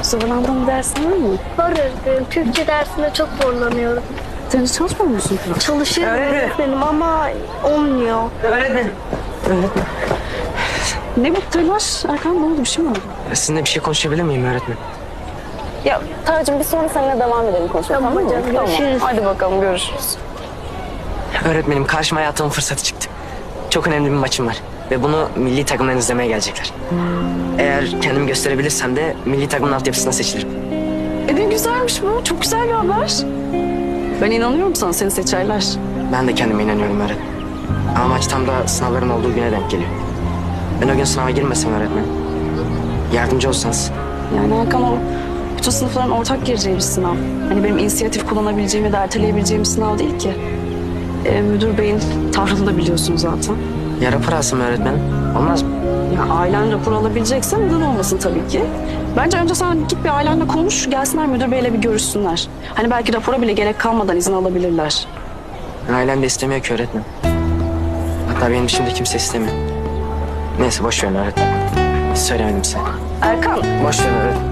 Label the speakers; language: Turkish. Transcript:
Speaker 1: Zorlandığın bir dersin var mı?
Speaker 2: Var öğretmenim. Türkçe dersinde çok zorlanıyorum.
Speaker 1: Sen hiç çalışmıyor musun kral?
Speaker 2: Çalışıyorum öğretmenim ama olmuyor.
Speaker 3: Öğretmenim.
Speaker 1: Ne bu telaş? Erkan ne oldu? Bir şey mi oldu?
Speaker 3: Sizinle bir şey konuşabilir miyim öğretmen?
Speaker 1: Ya Tarcığım biz sonra seninle devam edelim konuşmaya.
Speaker 2: Tamam
Speaker 1: mı?
Speaker 2: hocam, görüşürüz.
Speaker 1: Hadi bakalım görüşürüz.
Speaker 3: Öğretmenim karşıma hayatımın fırsatı çıktı. Çok önemli bir maçım var. Ve bunu milli takımdan izlemeye gelecekler. Eğer kendimi gösterebilirsem de milli takımın altyapısına seçilirim.
Speaker 1: Ne güzelmiş bu. Çok güzel bir haber. Ben inanıyorum sana. Seni seçerler.
Speaker 3: Ben de kendime inanıyorum öğretmen. Ama maç tam da sınavların olduğu güne denk geliyor. Ben o gün sınava girmesem öğretmen. Yardımcı olsanız.
Speaker 1: Yani Erkan o bütün sınıfların ortak gireceği bir sınav. Hani benim inisiyatif kullanabileceğim ya da erteleyebileceğim bir sınav değil ki. Müdür beyin tavrını da biliyorsun zaten.
Speaker 3: Ya rapor alsam öğretmen. Olmaz mı?
Speaker 1: Ya ailen rapor alabilecekse neden olmasın tabii ki. Bence önce sen git bir ailenle konuş, gelsinler müdür beyle bir görüşsünler. Hani belki rapora bile gerek kalmadan izin alabilirler.
Speaker 3: Ailem de istemiyor ki öğretmen. Hatta benim dışımda kimse istemiyor. Neyse boş verin öğretmen. Hiç söylemedim size.
Speaker 1: Erkan,
Speaker 3: Boş verin öğretmen.